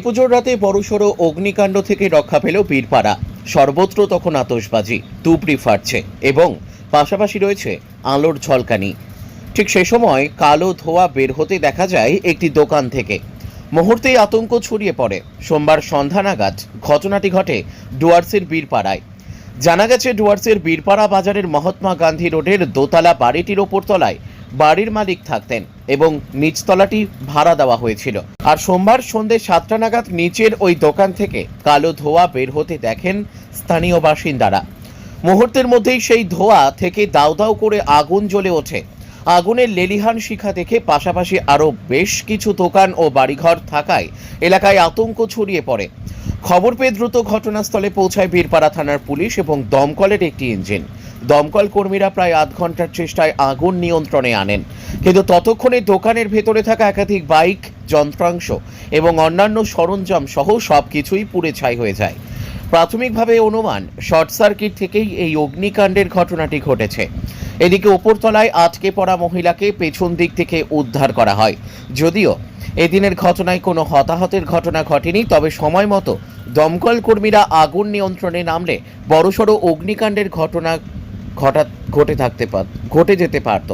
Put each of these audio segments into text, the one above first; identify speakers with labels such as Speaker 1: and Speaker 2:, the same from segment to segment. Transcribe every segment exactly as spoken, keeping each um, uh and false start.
Speaker 1: কালীপুজোর রাতে বড়সড় অগ্নিকাণ্ড থেকে রক্ষা পেল বীরপাড়া। সর্বত্র তখন আতশবাজি, তুবড়ি ফাটছে এবং পাশাপাশি রয়েছে আলোর ঝলকানি। ঠিক সে সময় কালো ধোঁয়া বের হতে দেখা যায় একটি দোকান থেকে। মুহূর্তেই আতঙ্ক ছড়িয়ে পড়ে। সোমবার সন্ধ্যা নাগাদ ঘটনাটি ঘটে ডুয়ার্সের বীরপাড়ায়। জানা গেছে, ডুয়ার্সের বীরপাড়া বাজারের মহাত্মা গান্ধী রোডের দোতলা বাড়িটির ওপর তলায় বাড়ির মালিক থাকতেন এবং নিচতলাটি ভাড়া দেওয়া হয়েছিল। আর সোমবার সন্ধ্যে সাতটা নাগাদ নিচের ওই দোকান থেকে কালো ধোঁয়া বের হতে দেখেন স্থানীয় বাসিন্দারা। মুহূর্তের মধ্যেই সেই ধোঁয়া থেকে দাউ দাউ করে আগুন জ্বলে ওঠে। আগুনের লেলিহান শিখা দেখে পাশাপাশি আরও বেশ কিছু দোকান ও বাড়িঘর থাকায় এলাকায় আতঙ্ক ছড়িয়ে পড়ে। খবর পেয়ে দ্রুত ঘটনাস্থলে পৌঁছায় বীরপাড়া থানার পুলিশ এবং দমকলের একটি ইঞ্জিন। দমকল কর্মীরা প্রায় আধ ঘন্টার চেষ্টায় আগুন নিয়ন্ত্রণে আনেন, কিন্তু ততক্ষণে দোকানের ভেতরে থাকা একাধিক বাইক, যন্ত্রাংশ এবং অন্যান্য সরঞ্জাম সহ সবকিছুই পুড়ে ছাই হয়ে যায়। প্রাথমিকভাবে অনুমান শর্ট সার্কিট থেকেই এই অগ্নিকাণ্ডের ঘটনাটি ঘটেছে। এদিকে ওপরতলায় আটকে পড়া মহিলাকে পেছন দিক থেকে উদ্ধার করা হয়। যদিও এদিনের ঘটনায় কোনো হতাহতের ঘটনা ঘটেনি, তবে সময় মতো দমকল কর্মীরা আগুন নিয়ন্ত্রণে নামলে বড়সড় অগ্নিকাণ্ডের ঘটনা ঘটা ঘটে থাকতে পার ঘটে যেতে পারত।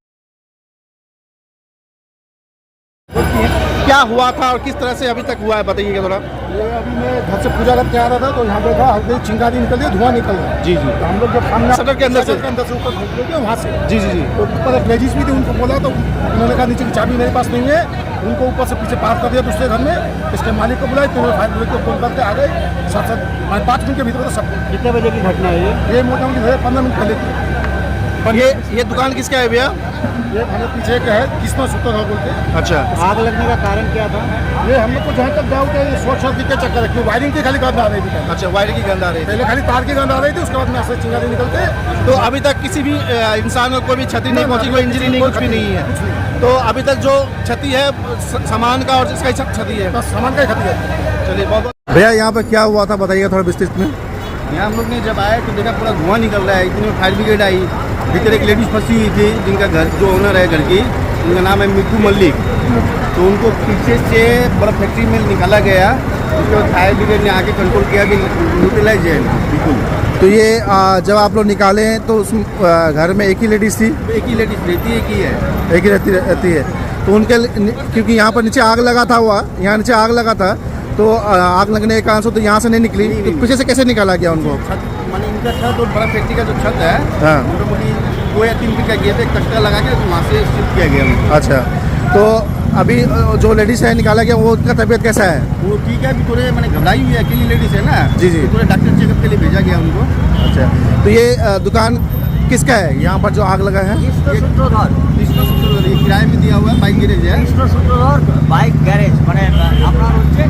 Speaker 2: क्या हुआ था और किस तरह से अभी तक हुआ है, बताइएगा थोड़ा।
Speaker 3: ये अभी मैं घर से पूजा करके आ रहा था तो यहाँ देखा हल्के चिंगारी निकल रही है, धुआं निकल रहा है।
Speaker 2: जी जी
Speaker 3: तो हम लोग जब सामने
Speaker 2: शटर के अंदर से
Speaker 3: शटर के अंदर से ऊपर घुस गए वहाँ से।
Speaker 2: जी जी जी
Speaker 3: तो ऊपर एक लेडीज भी थी, उनको बोला तो उन्होंने कहा नीचे की चाबी मेरे पास नहीं है, उनको ऊपर से पीछे पार कर दिया दूसरे घर में। इसके मालिक को बुलाए तो फायर ब्रिगेड को फोन करके आ गए। साथ साथ पाँच मिनट के भीतर तो सब।
Speaker 2: कितने बजे की घटना है ये
Speaker 3: ये मोटा मोटी पंद्रह मिनट पहले की।
Speaker 2: पर ये ये दुकान किसका है भैया?
Speaker 3: ये हमें पीछे एक है किस्मत सूत्र है बोलते।
Speaker 2: अच्छा,
Speaker 3: आग लगने का कारण क्या था? ये हम लोग को जहाँ तक डाउट है ये शॉर्ट सर्किट के चक्कर है, क्यों वायरिंग की खाली गंध आ रही थी।
Speaker 2: अच्छा, वायर की गंध आ रही थी।
Speaker 3: पहले खाली तार की गंध आ रही थी, उसके बाद में ऐसे चिंगारी निकलते।
Speaker 2: तो अभी तक किसी भी अ, इंसान को कोई भी क्षति नहीं पहुंची, कोई इंजरी नहीं, कुछ भी नहीं है। तो अभी तक जो क्षति है स- सामान का और इसका ही क्षति है,
Speaker 3: बस सामान का ही खत्म है।
Speaker 2: चलिए बहुत बहुत।
Speaker 3: भैया यहाँ पर क्या हुआ था, बताइएगा थोड़ा विस्तृत में।
Speaker 4: यहाँ हम लोग ने जब आए तो देखा पूरा धुआं निकल रहा है। इतने में फायर ब्रिगेड आई। भीतर एक लेडीज फंसी हुई थी, जिनका घर जो ओनर है घर की, उनका नाम है मिट्टू मल्लिक। तो उनको पीछे से बड़ा फैक्ट्री में निकाला गया। उसके बाद फायर ब्रिगेड ने आके कंट्रोल किया कि न्यूट्रलाइज है बिल्कुल।
Speaker 3: तो ये आ, जब आप लोग निकाले तो उस आ, घर में एक ही लेडीज थी?
Speaker 4: एक ही लेडीज रहती है, एक ही है।
Speaker 3: एक ही रहती रहती है। तो उनके क्योंकि यहाँ पर नीचे आग लगा था, हुआ यहाँ नीचे आग लगा था, तो आ, आग लगने के कारण से तो यहाँ से नहीं निकली, तो पीछे से कैसे निकाला गया उनको?
Speaker 4: छत माने इनका छत और बड़ा फैक्ट्री का जो छत है,
Speaker 3: हाँ।
Speaker 4: मोटामोटी दो या तीन फीट का गेट है, कचरा लगा के वहाँ से शिफ्ट किया गया उनको।
Speaker 3: अच्छा, तो अभी जो लेडीज है निकाला गया वो उनका तबीयत कैसा है?
Speaker 4: वो ठीक है, अभी थोड़े मैंने घबराई हुई है, अकेली लेडीज है ना।
Speaker 3: जी, जी।
Speaker 4: तो थोड़े डॉक्टर चेकअप के लिए भेजा गया उनको।
Speaker 3: अच्छा, तो ये आ, दुकान किसका है यहाँ पर जो आग लगा है?
Speaker 4: कृष्ण सूत्रधर ये किराए में दिया हुआ है, बाइक गैरेज है।
Speaker 5: কৃষ্ণ সূত্রধর বাইক গ্যারেজ, মানে আপনার হচ্ছে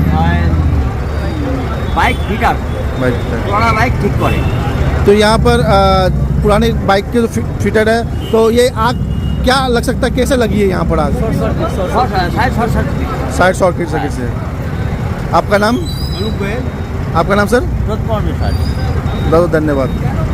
Speaker 5: বাইক ফিটার, পুরানা বাইক ঠিক করে।
Speaker 3: तो यहाँ पर आ, पुरानी बाइक के जो फि- फिटर है, तो ये आग क्या लग सकता है, कैसे लगी है यहाँ पर आग?
Speaker 5: Short side short circuit.
Speaker 3: Side circuit circuit से। आपका नाम?
Speaker 4: अनूप गोयल।
Speaker 3: आपका नाम सर?
Speaker 5: রোদ পড়বে স্যার।
Speaker 3: बहुत धन्यवाद।